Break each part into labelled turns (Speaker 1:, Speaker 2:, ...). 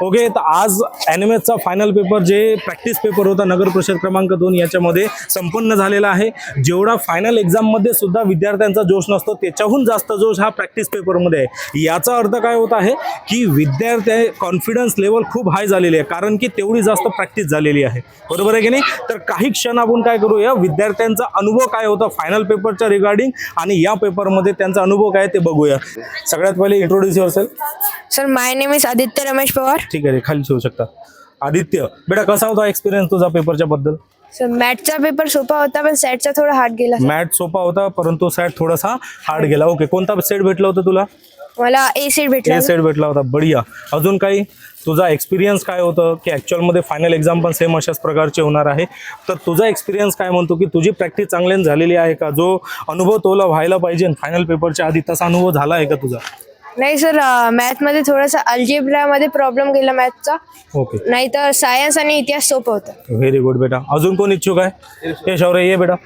Speaker 1: Okay, तर आज NMSचा फायनल पेपर जे प्रॅक्टिस पेपर होता नगर परिषद क्रमांक 2 याच्यामध्ये संपन्न झालेला आहे. जेवढा फायनल एक्झाममध्ये सुद्धा विद्यार्थ्यांचा जोश नसतो त्याच्याहून जास्त जोश हा प्रॅक्टिस पेपरमध्ये आहे. याचा अर्थ काय होत आहे की विद्यार्थी कॉन्फिडन्स लेवल खूप हाय झालेली आहे, कारण की तेवढी जास्त प्रॅक्टिस झालेली आहे. बरोबर आहे की नाही? तर काही क्षण आपण काय करूया, विद्यार्थ्यांचा अनुभव काय होता फायनल पेपरच्या रिगार्डिंग आणि या पेपरमध्ये त्यांचा अनुभव काय ते बघूया. सगळ्यात पहिले introduce yourself.
Speaker 2: Sir my name is Aditya Ramesh Pawar.
Speaker 1: ठीक आहे, खाली ठेवू शकता. आदित्य बेटा, कसा होता एक्सपिरियन्स तुझा पेपरच्या बद्दल?
Speaker 2: सर मॅथचा पेपर सोपा होता पण सॅटचा थोडा हार्ड गेला.
Speaker 1: मॅथ सोपा होता परंतु सॅट थोडासा हार्ड गेला. ओके, कोणता सेट भेटला होता तुला?
Speaker 2: मला ए सेट भेटला.
Speaker 1: ए सेट भेटला होता. बढिया. अजून काही तुझा एक्सपिरियन्स काय होतं की ॲक्च्युअलमध्ये फायनल एक्झाम पण सेम अशाच प्रकारचे होणार आहे, तर तुझा एक्सपिरियन्स काय म्हणतो की तुझी प्रॅक्टिस चांगल्याने झालेली आहे का? जो अनुभव तुला व्हायला पाहिजे फायनल पेपरच्या आधी तसा अनुभव झाला आहे का तुझा?
Speaker 2: नाही सर, मॅथमध्ये थोडासा अल्जेब्रामध्ये प्रॉब्लेम गेला मॅथचा.
Speaker 1: ओके,
Speaker 2: नाही तर सायन्स आणि इतिहास सोपं होतं.
Speaker 1: व्हेरी गुड बेटा. अजून कोण इच्छुक आहे? ये शौर्य, ये बेटा.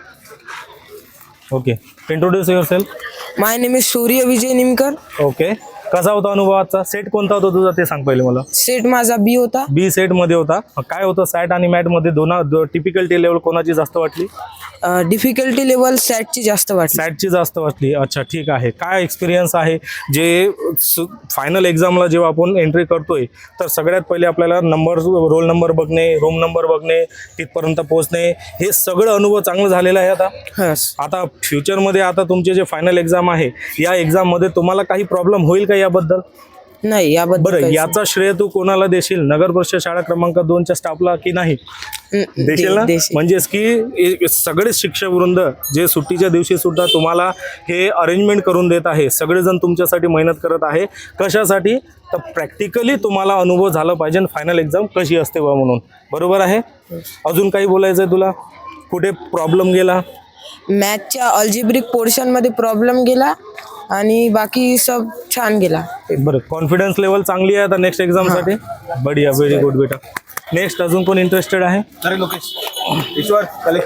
Speaker 1: Okay, introduce yourself.
Speaker 3: My name is Surya Vijay Nimkar.
Speaker 1: Okay, कसा होता अनुभव आजचा? सेट कोणता होता तुझा ते सांग पहिले मला.
Speaker 3: सेट माझा बी होता.
Speaker 1: बी सेट मध्ये होता. काय होतं सॅट आणि मॅट मध्ये टिपिकलिटी लेवल कोणाची जास्त वाटली?
Speaker 3: डिफिकल्टी लेवल सॅटची जास्त वाटली.
Speaker 1: सॅटची जास्त वाटली. अच्छा, ठीक आहे. काय एक्सपिरियन्स आहे जे फायनल एक्झामला जेव्हा आपण एंट्री करतोय तर सगळ्यात पहिले आपल्याला रोल नंबर बघणे, रूम नंबर बघणे, तिथपर्यंत पोहोचणे, हे सगळं अनुभव चांगलं झालेलं आहे. आता फ्युचरमध्ये आता तुमचे जे फायनल एक्झाम आहे या एक्झाममध्ये तुम्हाला काही प्रॉब्लेम होईल का याबद्दल?
Speaker 3: नाही, याबद्दल
Speaker 1: बरं, याचा श्रेय तू कोणाला देशील? नगर परिषद शाळा क्रमांक 2च्या स्टाफला की नाही देशील ना? म्हणजेच की सगळे शिक्षक वृंद जे सुट्टीच्या दिवशी सुद्धा तुम्हाला हे अरेंजमेंट करून देत आहे, सगळेजण तुमच्यासाठी मेहनत करत आहे. कशासाठी? तर प्रॅक्टिकली तुम्हाला अनुभव झाला पाहिजे फायनल एक्झाम कशी असते बा म्हणून. बरोबर आहे. अजून काही बोलायचं आहे तुला? कुठे प्रॉब्लेम गेला?
Speaker 3: मॅथच्या अल्जेब्रिक पोर्शनमध्ये प्रॉब्लेम गेला आणि बाकी सब छान गेला.
Speaker 1: बरं, कॉन्फिडन्स लेवल चांगली आहे आता नेक्स्ट एक्झामसाठी. बढिया, व्हेरी गुड बेटा. नेक्स्ट अजून कोण इंटरेस्टेड आहे? अरे लोकेश, ईश्वर,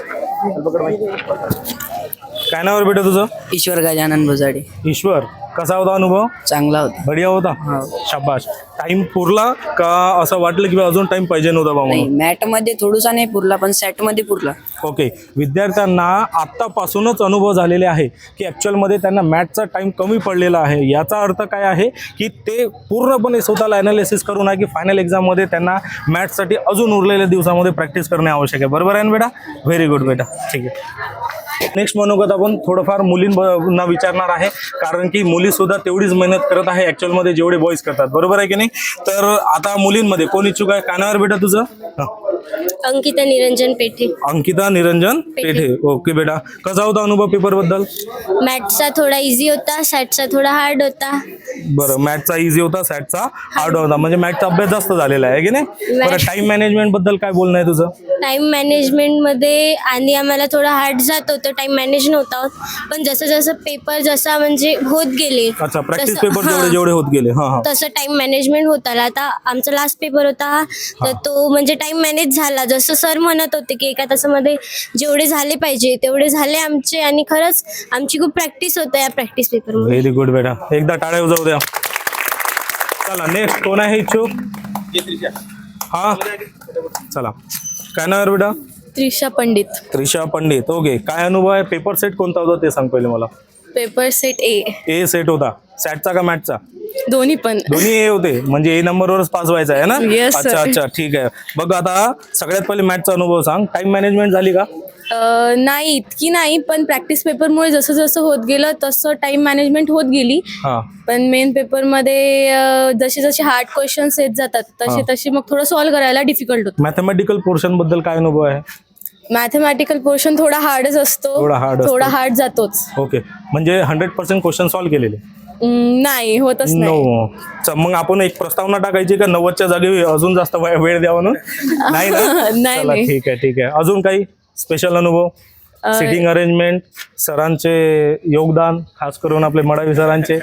Speaker 1: काय नाव बेटा तुझं?
Speaker 4: ईश्वर गजानन भुजाडे.
Speaker 1: ईश्वर, कसा होता अनुभव?
Speaker 4: चांगला होता.
Speaker 1: बढिया होता. शाबाश. टाइम पुरला का असं वाटलं की अजून टाइम पाहिजे नव्हता बा
Speaker 4: नाही,
Speaker 1: म्हणून?
Speaker 4: मॅट मध्ये थोडासा नाही पुरला पण सॅट मध्ये पुरला.
Speaker 1: ओके, विद्यार्थ्यांना आत्तापासूनच अनुभव झालेले आहे की ॲक्च्युअलमध्ये त्यांना मॅथचा टाईम कमी पडलेला आहे. याचा अर्थ काय आहे की ते पूर्णपणे स्वतःला ॲनालिसिस करून आहे की फायनल एक्झाममध्ये त्यांना मॅथ्ससाठी अजून उरलेल्या दिवसामध्ये प्रॅक्टिस करणे आवश्यक आहे. बरोबर आहे ना बेटा? व्हेरी गुड बेटा. ठीक आहे. नेक्स्ट मनोगत आपण थोडंफार मुलींना विचारणार आहे, कारण की मुली सुद्धा तेवढीच मेहनत करत आहे ॲक्च्युअलमध्ये जेवढे बॉईज करतात. बरोबर आहे की नाही? तर आता मुलींमध्ये कोण इच्छुक आहे? कानावर बेटा तुझं?
Speaker 5: अंकिता निरंजन पेठे.
Speaker 1: अंकिता निरंजन पेठे. ओके बेटा, कसा होता अनुभव पेपर बद्दल?
Speaker 5: मॅथचा थोडा इझी होता, सॅटचा थोडा हार्ड होता.
Speaker 1: बरं, मॅथचा इझी होता, सॅटचा हार्ड होता. म्हणजे मॅथचा अभ्यास जास्त झालेला आहे की नाही? बरं, टाइम मॅनेजमेंट बद्दल काय बोलणं आहे तुझं?
Speaker 5: टाइम मॅनेजमेंट मध्ये आणि आम्हाला थोडं हार्ड जात होतं, टाइम मॅनेज नव्हता होत. पण जसं जसं पेपर जसा म्हणजे होत गेले,
Speaker 1: अच्छा, प्रॅक्टिस पेपर जेवढे होत गेले
Speaker 5: तसं टाइम मॅनेजमेंट होत आला. आता आमचा लास्ट पेपर होता तर तो म्हणजे टाइम मॅनेज झाला. जसं सर म्हणत होते की एका तासामध्ये जेवढे झाले पाहिजे तेवढे झाले आमचे आणि खरंच आमची खूप प्रॅक्टिस होतं या प्रॅक्टिस पेपर.
Speaker 1: व्हेरी गुड बेटा, एकदा टाळ्या वाजवू द्या. चला, नेक्स्ट कोण आहे इच्छुक? हा, चला. काय नाव आहे बेटा?
Speaker 6: त्रिशा पंडित.
Speaker 1: त्रिशा पंडित. ओके, काय अनुभव आहे? पेपर सेट कोणता होता ते सांग पहिले मला.
Speaker 6: Paper set A.
Speaker 1: A set होता. सॅटचा का मॅथचा?
Speaker 6: दोन्ही पण.
Speaker 1: दोन्ही ए होते, म्हणजे ए नंबरवरच पास व्हायचा आहे ना?
Speaker 6: Yes, sir.
Speaker 1: अच्छा अच्छा, ठीक आहे. बघ, आता सगळ्यात पहिले मॅथचा अनुभव सांग. टाइम मॅनेजमेंट झाली का?
Speaker 6: नाही इतकी नाही, पण प्रॅक्टिस पेपरमुळे जसं जसं होत गेलं तसं टाइम मॅनेजमेंट होत गेली.
Speaker 1: हा,
Speaker 6: पण मेन पेपरमध्ये जसे जसे हार्ड क्वेश्चन्स येत जातात तसे तसे मग थोडं सॉल्व्ह करायला डिफिकल्ट होतं.
Speaker 1: मॅथमॅटिकल पोर्शन बद्दल काय अनुभव आहे?
Speaker 6: मॅथमॅटिकल पोर्शन थोडा हार्डच असतो, थोडा हार्ड जातोच.
Speaker 1: ओके, म्हणजे 100% क्वेश्चन सॉल्व्ह केलेले?
Speaker 6: नाही, होतच नाही.
Speaker 1: नो. मग आपण एक प्रस्तावना टाकायची का 90च्या जागी अजून जास्त वेळ द्यावा ना? नाही ना?
Speaker 6: नाही.
Speaker 1: ठीक आहे, ठीक आहे. अजून काही स्पेशल अनुभव? सिटिंग अरेंजमेंट, सरांचे योगदान, खास करून आपले मडावी सरांचे.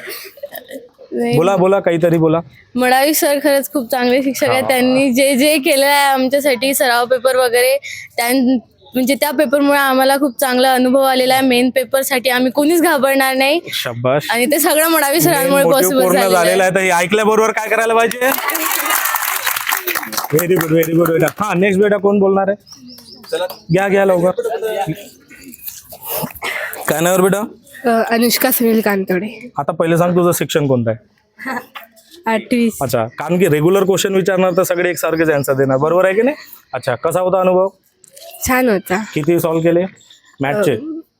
Speaker 1: बोला काहीतरी बोला.
Speaker 6: मडावी सर खरंच खूप चांगले शिक्षक आहेत. त्यांनी जे जे केलं आहे आमच्यासाठी सराव पेपर वगैरे म्हणजे त्या पेपरमुळे आम्हाला खूप चांगला अनुभव आलेला आहे. मेन पेपरसाठी आम्ही कोणीच घाबरणार नाही.
Speaker 1: शाबाश.
Speaker 6: आणि ते सगळं मडावी सरांमुळे पॉसिबल
Speaker 1: झालेलं आहे. तर हे ऐकल्याबरोबर काय करायला पाहिजे? व्हेरी गुड बेटा. हा नेक्स्ट बेटा कोण बोलणार आहे? घ्या लवकर. काय नाव बेटा?
Speaker 6: अनुष्का सुनील कांतोडे.
Speaker 1: आता पहिले सांग तुझं शिक्षण कोणतं आहे?
Speaker 6: 8वी.
Speaker 1: अच्छा, कारण की रेग्युलर क्वेश्चन विचारणार तर सगळे एकसारखेच आन्सर देणार, बरोबर आहे की नाही? अच्छा, कसा होता अनुभव?
Speaker 6: छान होता.
Speaker 1: किती सॉल्व्ह केले मॅथचे?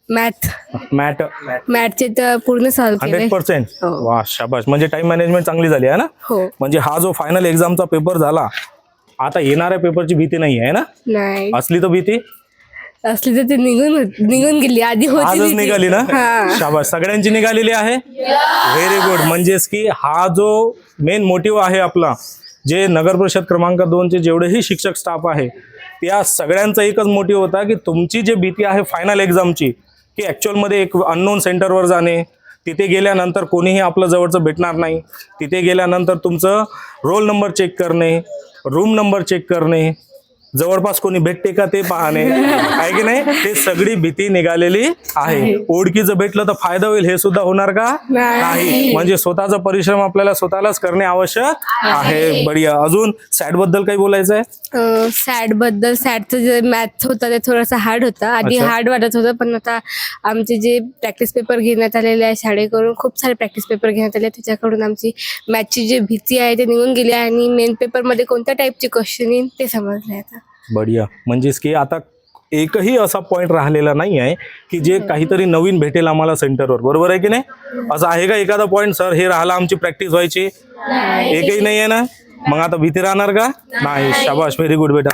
Speaker 6: मॅथचे तर पूर्ण सॉल्व्ह केले.
Speaker 1: 100%.
Speaker 6: हो.
Speaker 1: वा शाबाश. म्हणजे टाइम मॅनेजमेंट चांगली झाली आहे ना?
Speaker 6: हो.
Speaker 1: म्हणजे हा जो फायनल एक्झामचा पेपर झाला, आता येणाऱ्या पेपरची भीती नाही आहे ना?
Speaker 6: नाही
Speaker 1: असली तर भीती
Speaker 6: असली तर ते निघून गेली. आधी होती
Speaker 1: आजच
Speaker 6: भीती.
Speaker 1: निघाली ना?
Speaker 6: हा.
Speaker 1: शाबाश, सगळ्यांची निघालेली आहे. Very good. म्हणजेच की हा जो मेन मोटिव्ह आहे आपला, जे नगर परिषद क्रमांक 2चे जेवढेही शिक्षक स्टाफ आहे, त्या सगळ्यांचा एकच मोटिव्ह होता की तुमची जी भीती आहे फायनल एक्झामची, की ॲक्च्युअलमध्ये एक अननोन सेंटरवर जाणे, तिथे गेल्यानंतर कोणीही आपलं जवळचं भेटणार नाही, तिथे गेल्यानंतर तुमचं रोल नंबर चेक करणे, रूम नंबर चेक करणे, जवळपास कोणी भेटते का ते पाहणे, आहे की नाही? ते सगळी भीती निघालेली आहे. ओळखीचं भेटलं तर फायदा होईल हे सुद्धा होणार का? नाही. म्हणजे स्वतःचा परिश्रम आपल्याला स्वतःलाच करणे आवश्यक आहे. बढिया. अजून सॅट बद्दल काही बोलायचं आहे?
Speaker 6: सॅटचं जे मॅथ होतं ते थोडंसं हार्ड होतं. आधी
Speaker 1: अच्छा.
Speaker 6: हार्ड वाटत होतं, पण आता आमचे जे प्रॅक्टिस पेपर घेण्यात आलेले आहे शाळेकडून, खूप सारे प्रॅक्टिस पेपर घेण्यात आले, त्याच्याकडून आमची मॅथची जी भीती आहे ते निघून गेली आहे आणि मेन पेपरमध्ये कोणत्या टाईपचे क्वेश्चन येईल ते समजले आता.
Speaker 1: बढिया. म्हणजेच की आता एकही असा पॉईंट राहिलेला नाही आहे की जे काहीतरी नवीन भेटेल आम्हाला सेंटरवर, बरोबर आहे की नाही? असं आहे का एखादा पॉईंट, सर हे राहिला आमची प्रॅक्टिस व्हायची? एकही नाही आहे ना? मग आता भीती राहणार का? नाही. शाबाश, व्हेरी गुड बेटा.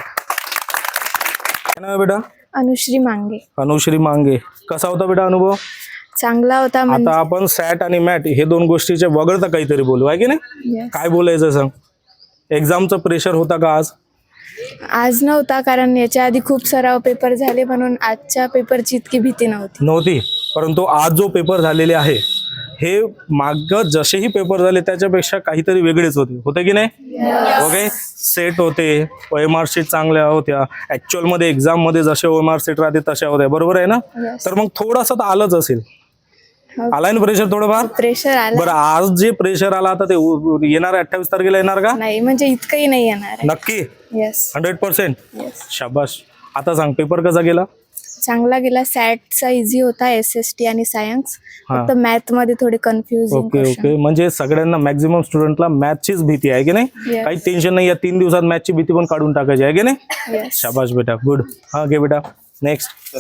Speaker 1: काय नाव आहे बेटा?
Speaker 2: अनुश्री मांगे.
Speaker 1: अनुश्री मांगे. कसा होता बेटा अनुभव?
Speaker 2: चांगला होता.
Speaker 1: आता आपण सॅट आणि मॅट हे दोन गोष्टीचे वगळता काहीतरी बोलू, आहे की नाही? काय बोलायचं सांग? एक्झामचं प्रेशर होता का
Speaker 2: आज नव्हता, कारण याच्या आधी खूप सराव पेपर झाले, म्हणून आजच्या पेपरची इतकी भीती
Speaker 1: नव्हती. परंतु आज जो पेपर झालेले आहे हे माग जसेही पेपर झाले त्याच्यापेक्षा काहीतरी वेगळेच होते की नाही? ओके. सेट होते, OMR शीट चांगल्या होत्या, ॲक्च्युअलमध्ये एक्झाममध्ये जसे OMR शीट राहते तशा होत्या, बरोबर आहे ना? तर मग थोडासा तर आलंच असेल. आलाय ना प्रेशर थोडंफार?
Speaker 2: प्रेशर आला
Speaker 1: बरं, आज जे प्रेशर आला आता ते येणार 28 तारखेला येणार का?
Speaker 2: नाही, म्हणजे इतकंही नाही येणार.
Speaker 1: नक्की?
Speaker 2: येस.
Speaker 1: 100%. शाबाश. आता सांग पेपर कसा गेला?
Speaker 2: चांगला गेला. सॅटचा इझी होता, SST आणि सायन्स. फक्त मॅथ मध्ये थोडे कन्फ्युजिंग.
Speaker 1: ओके. म्हणजे सगळ्यांना मॅक्झिमम स्टुडंटला मॅथचीच भीती आहे की नाही?
Speaker 2: Yes.
Speaker 1: काही टेन्शन नाही. या 3 दिवसात मॅथची भीती पण काढून टाकायची आहे की नाही?
Speaker 2: Yes.
Speaker 1: शाबाश बेटा, गुड. हा घे बेटा. नेक्स्ट.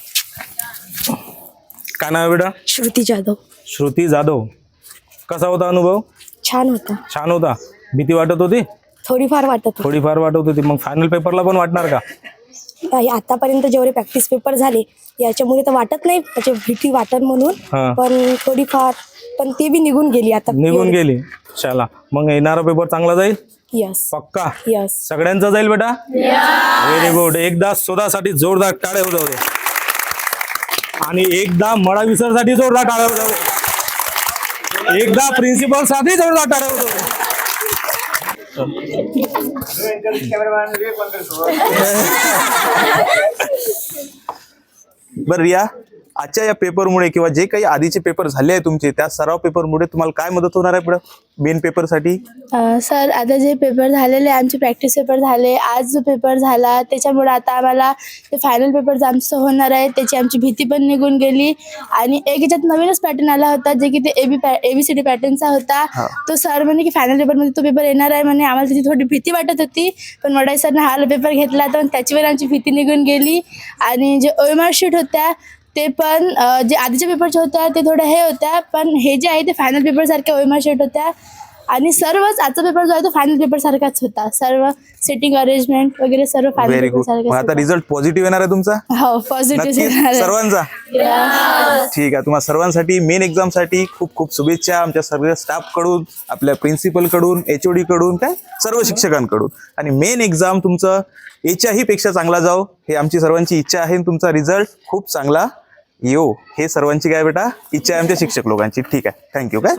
Speaker 1: काय नाव आहे बेटा?
Speaker 2: श्रुती जाधव.
Speaker 1: श्रुती जाधव. कसा होता अनुभव?
Speaker 2: छान होता.
Speaker 1: छान होता. भीती वाटत होती?
Speaker 2: थोडीफार वाटत
Speaker 1: थोडीफार वाटत होती. मग फायनल पेपरला पण वाटणार का?
Speaker 2: होती. आतापर्यंत जेवढे प्रॅक्टिस पेपर झाले याच्यामुळे तर वाटत नाही, त्याची भीती वाटत म्हणून,
Speaker 1: हा.
Speaker 2: पण थोडीफार, पण ते बी निघून गेली आता.
Speaker 1: निघून गेली. चला, मग येणारा पेपर चांगला जाईल?
Speaker 2: यस.
Speaker 1: पक्का?
Speaker 2: यस.
Speaker 1: सगळ्यांचा जाईल बेटा? Very good. एकदा स्वतःसाठी जोरदार टाळ्या होऊ दे. आणि एकदा मळा विसरसाठी जोरदार टाळ्या होऊ दे. एकदा प्रिन्सिपल साठी जोरदार टाळ्या होऊ दे.
Speaker 7: बरं रिया, आजच्या या पेपरमुळे किंवा जे काही आधीचे पेपर झाले आहे तुमचे, त्या सराव पेपरमुळे तुम्हाला काय मदत होणार आहे पुढे मेन पेपरसाठी?
Speaker 2: सर, आता जे पेपर झालेले आमचे प्रॅक्टिस पेपर झाले, आज जो पेपर झाला त्याच्यामुळे आता आम्हाला ते फायनल पेपर आमचं होणार आहे, त्याची आमची भीती पण निघून गेली. आणि एक याच्यात नवीनच पॅटर्न आला होता, जे की ते ABCD पॅटर्नचा होता. तो सर म्हणे की फायनल पेपरमध्ये तो पेपर येणार आहे म्हणे. आम्हाला त्याची थोडी भीती वाटत होती, पण वडाई सरनं हा पेपर घेतला तर त्याची पण आमची भीती निघून गेली. आणि जे OMR शीट होत्या ते पण जे आधीच्या पेपरच्या होत्या ते थोड्या हे होत्या, पण हे जे आहे ते फायनल पेपर सारख्या OMR शीट होत्या. आणि सर्वच आजचा पेपर जो आहे तो फायनल पेपर सारखाच होता. सर्व सेटिंग अरेंजमेंट वगैरे सर्व फायनल
Speaker 7: व्हेरी
Speaker 2: पेपर
Speaker 7: गुड.
Speaker 2: सारखे.
Speaker 7: आता रिझल्ट पॉझिटिव्ह येणार आहे तुमचा?
Speaker 2: हो, पॉझिटिव्ह
Speaker 7: नक्की सर्वांचा? ठीक आहे. तुम्हाला सर्वांसाठी मेन एक्झाम साठी खूप खूप शुभेच्छा आमच्या सर्व स्टाफ कडून, आपल्या प्रिन्सिपल कडून, HOD कडून, काय सर्व शिक्षकांकडून. आणि मेन एक्झाम तुमचं याच्याही पेक्षा चांगला जाओ हे आमची सर्वांची इच्छा आहे. तुमचा रिझल्ट खूप चांगला येऊ हे सर्वांची काय बेटा इच्छा आहे आमच्या शिक्षक लोकांची. ठीक आहे, थँक्यू. काय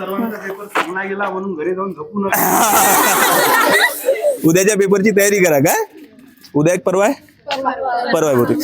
Speaker 7: उद्याच्या पेपरची तयारी करा. काय उद्या एक परवा आहे? परवा आहे बहुतेक.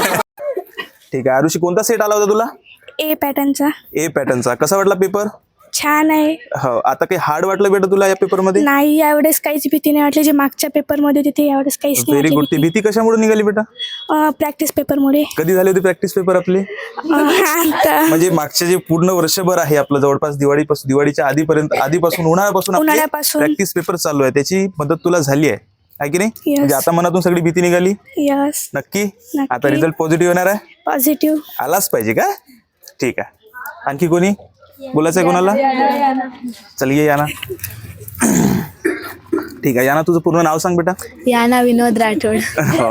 Speaker 7: ठीक आहे. आरुषी, कोणता सेट आला होता तुला?
Speaker 2: A पॅटर्नचा.
Speaker 7: A पॅटर्नचा. कसा वाटला पेपर?
Speaker 2: छान आहे.
Speaker 7: हो, आता काही हार्ड वाटलं बेटा तुला या पेपरमध्ये?
Speaker 2: नाही, यावेळेस काहीच भीती नाही वाटली. जे मागच्या पेपरमध्ये होती ते यावेळेस काहीच नाही
Speaker 7: व्हेरी गुड. ती भीती कशामुळे निघाली बेटा?
Speaker 2: प्रॅक्टिस पेपरमुळे.
Speaker 7: कधी झाले होते प्रॅक्टिस पेपर आपले?
Speaker 2: आता
Speaker 7: म्हणजे मागचे जे पूर्ण वर्षभर आहे आपलं, जवळपास दिवाळीच्या आधीपासून
Speaker 2: उन्हाळ्यापासून.
Speaker 7: प्रॅक्टिस पेपर चालू आहे, त्याची मदत तुला झाली आहे की नाही? म्हणजे आता मनातून सगळी भीती निघाली.
Speaker 2: यस,
Speaker 7: नक्की आता रिझल्ट पॉझिटिव्ह येणार आहे?
Speaker 2: पॉझिटिव्ह.
Speaker 7: आलाच पाहिजे का? ठीक आहे. आणखी कोणी बोलायचं आहे कोणाला? चल ये याना. ठीक आहे याना, तुझं पूर्ण नाव सांग बेटा.
Speaker 2: याना विनोद राठोड.
Speaker 7: हो.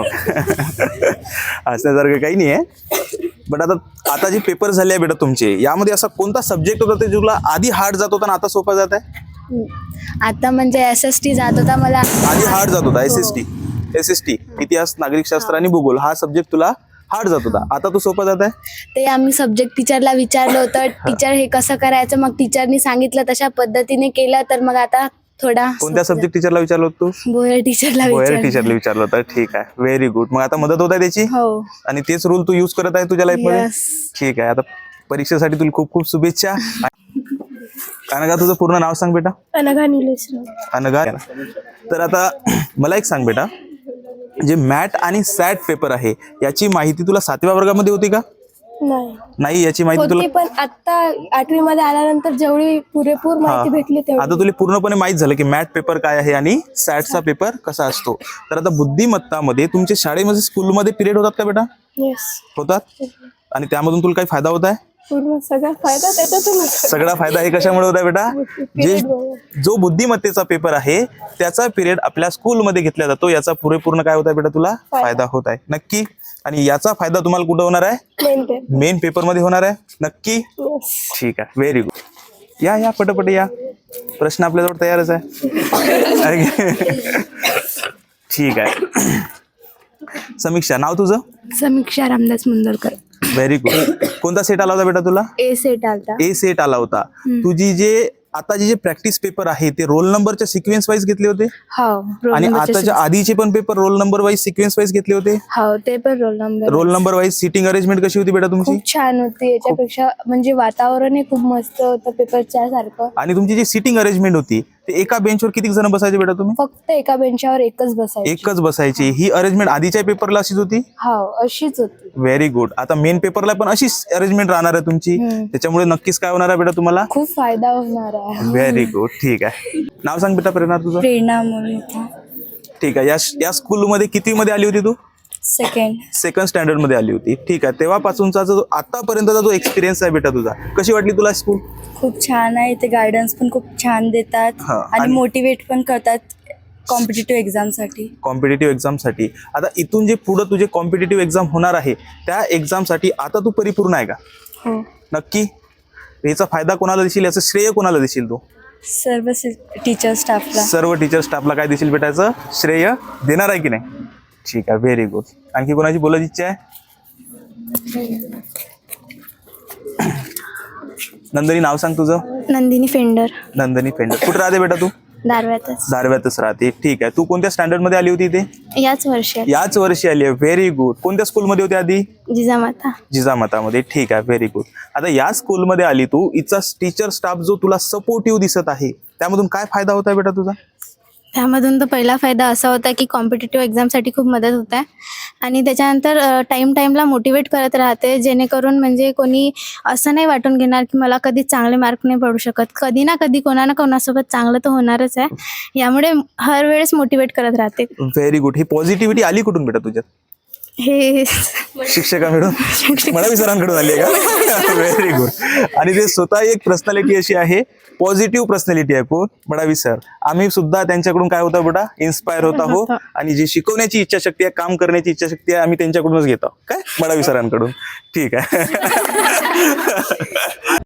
Speaker 7: असण्यासारखं काही नाही आहे. बट आता जे पेपर झाले आहे बेटा तुमचे, यामध्ये असा कोणता सब्जेक्ट होता ते तुला आधी हार्ड जात होता आणि आता सोपा जात आहे?
Speaker 2: आता म्हणजे SST जात होता मला.
Speaker 7: आधी हार्ड जात होता. SST इतिहास, नागरिकशास्त्र आणि भूगोल हा सब्जेक्ट तुला हार्ड जात होता, आता तू सोपा जात आहे?
Speaker 2: ते आम्ही सब्जेक्ट टीचरला विचारलं होतं, टीचर हे कसं करायचं, मग टीचरनी सांगितलं तशा पद्धतीने केलं, तर मग आता थोडा.
Speaker 7: कोणत्या सब्जेक्ट टीचरला विचारलं होतं तू?
Speaker 2: भोयर टीचरला
Speaker 7: भोयर
Speaker 2: विचारलं.
Speaker 7: टीचरला विचारलं होतं. ठीक आहे, व्हेरी गुड. मग आता मदत होत आहे त्याची?
Speaker 2: हो.
Speaker 7: आणि तेच रूल तू यूज करत आहे तुझ्या लाईफ मध्ये?
Speaker 2: Yes.
Speaker 7: ठीक आहे. आता परीक्षेसाठी तुला खूप खूप शुभेच्छा. अनघा, तुझं पूर्ण नाव सांग बेटा.
Speaker 2: अनघा निलेश.
Speaker 7: अनघा. तर आता मला एक सांग बेटा, जे मॅट आणि सॅट पेपर आहे याची माहिती तुला 7व्या वर्गामध्ये होती का? नाही, याची माहिती तुला
Speaker 2: पण आता 8वी मध्ये आल्यानंतर जेवढी पुरेपूर माहिती भेटली तेवढी.
Speaker 7: आता तुला पूर्णपणे माहित झालं की मॅट पेपर काय आहे आणि सॅटचा पेपर कसा असतो. तर आता बुद्धिमत्तामध्ये तुमच्या शाळेमध्ये स्कूलमध्ये पिरियड होतात का बेटा?
Speaker 2: येस,
Speaker 7: होतात. आणि त्यामधून तुला काही फायदा होत आहे?
Speaker 2: पूर्ण सगळा फायदा त्याच्यातूनच.
Speaker 7: सगळा फायदा हे कशामुळे होत आहे बेटा? जो बुद्धिमत्तेचा पेपर आहे त्याचा पिरियड आपल्या स्कूलमध्ये घेतला जातो, याचा पुरेपूर्ण काय होत आहे बेटा तुला? फायदा होत आहे. नक्की. आणि याचा फायदा तुम्हाला कुठं होणार आहे? मेन पेपर मध्ये होणार आहे. नक्की. ठीक आहे, व्हेरी गुड. या पटपट या. प्रश्न आपल्याजवळ तयारच आहे. ठीक आहे. समीक्षा, नाव तुझं?
Speaker 2: समीक्षा रामदास मुंदरकर.
Speaker 7: Very good. कोणता सेट आला होता बेटा तुला?
Speaker 2: A सेट आलता.
Speaker 7: ए सेट आला होता. तुझी जे प्रॅक्टिस पेपर आहे ते रोल नंबरच्या सिक्वेन्स वाईज घेतले होते?
Speaker 2: हो.
Speaker 7: आणि आताच्या आधीचे पण paper roll number wise sequence wise घेतले होते?
Speaker 2: हो, ते पण roll
Speaker 7: number wise seating arrangement कशी होती बेटा तुमची?
Speaker 2: खूप छान होती. याच्यापेक्षा म्हणजे वातावरणही खूप मस्त होतं पेपरच्या सारखं.
Speaker 7: आणि तुमची जी सिटिंग अरेंजमेंट होती ते एका बेंचवर किती जण बसायचे बेटा तुम्ही?
Speaker 2: फक्त एका बेंचावर एकच बसायचं.
Speaker 7: एकच बसायची. ही अरेंजमेंट आधीच्या पेपरला अशीच होती?
Speaker 2: हो, अशीच होती.
Speaker 7: Very good. आता मेन पेपरला पण अशीच अरेंजमेंट राहणार आहे तुमची, त्याच्यामुळे नक्कीच काय होणार आहे बेटा तुम्हाला?
Speaker 2: खूप फायदा होणार आहे.
Speaker 7: Very good. ठीक आहे. नाव सांग बेटा प्रेरणा तुझं.
Speaker 2: प्रेरणा म्हणून.
Speaker 7: ठीक आहे. या स्कूलमध्ये किती मध्ये आली होती तू? सेकंड स्टँडर्ड मध्ये आली होती. ठीक आहे. तेव्हापासूनचा जो आतापर्यंतचा जो एक्सपिरियन्स आहे बेटा तुझा, कशी वाटली तुला स्कूल?
Speaker 2: खूप छान आहे. ते गायडन्स पण खूप छान देतात
Speaker 7: हा,
Speaker 2: आणि मोटिवेट पण करतात कॉम्पिटिटिव्ह एक्झाम साठी. आता इथून जे पुढे तुझे कॉम्पिटिटिव्ह एक्झाम होणार आहे त्या एक्झामसाठी आता तू परिपूर्ण आहे का? हो.
Speaker 7: नक्की. याचा फायदा कोणाला देशील, याचं श्रेय कोणाला देशील तू?
Speaker 2: सर्व टीचर स्टाफला.
Speaker 7: सर्व टीचर स्टाफला काय देशील बेटा, याचं श्रेय देणार आहे की नाही? ठीक आहे, व्हेरी गुड. आणखी कोणाची बोलायची इच्छा आहे? नंदिनी, नाव सांग तुझं.
Speaker 2: नंदिनी फेंडर.
Speaker 7: नंदिनी फेंडर. कुठे राहते बेटा तू? दारव्यातच राहते. ठीक आहे. तू कोणत्या स्टँडर्ड मध्ये आली होती इथे? याच वर्षी आली आहे. Very good. कोणत्या स्कूलमध्ये होती आधी? जिजामातामध्ये. ठीक आहे, व्हेरी गुड. आता या स्कूलमध्ये आली तू, इथचा टीचर स्टाफ जो तुला सपोर्टिव्ह दिसत आहे त्यामधून काय फायदा होता बेटा तुझा?
Speaker 2: त्यामधून तर पहिला फायदा असा होता की कॉम्पिटिटिव्ह एक्झामसाठी खूप मदत होत आहे आणि त्याच्यानंतर टाईमला मोटिवेट करत राहते, जेणेकरून म्हणजे कोणी असं नाही वाटून घेणार की मला कधी चांगले मार्क नाही पडू शकत. कधी ना कधी कोणासोबत चांगलं तर होणारच आहे. यामुळे हर वेळेस मोटिवेट करत राहते.
Speaker 7: Very good. ही पॉझिटिव्हिटी आली कुठून बेटा तुझ्यात?
Speaker 2: हे
Speaker 7: शिक्षकांकडून, मडावी सरांकडून आली आहे का? Very good. आणि ते स्वतः एक पर्सनॅलिटी अशी आहे, पॉझिटिव्ह पर्सनॅलिटी आहे. कोण? मडावी सर. आम्ही सुद्धा त्यांच्याकडून काय होतं बेटा, इन्स्पायर होत आहोत. आणि जी शिकवण्याची इच्छाशक्ती आहे, काम करण्याची इच्छाशक्ती आहे, आम्ही त्यांच्याकडूनच घेतो. काय? मडावी सरांकडून. ठीक आहे.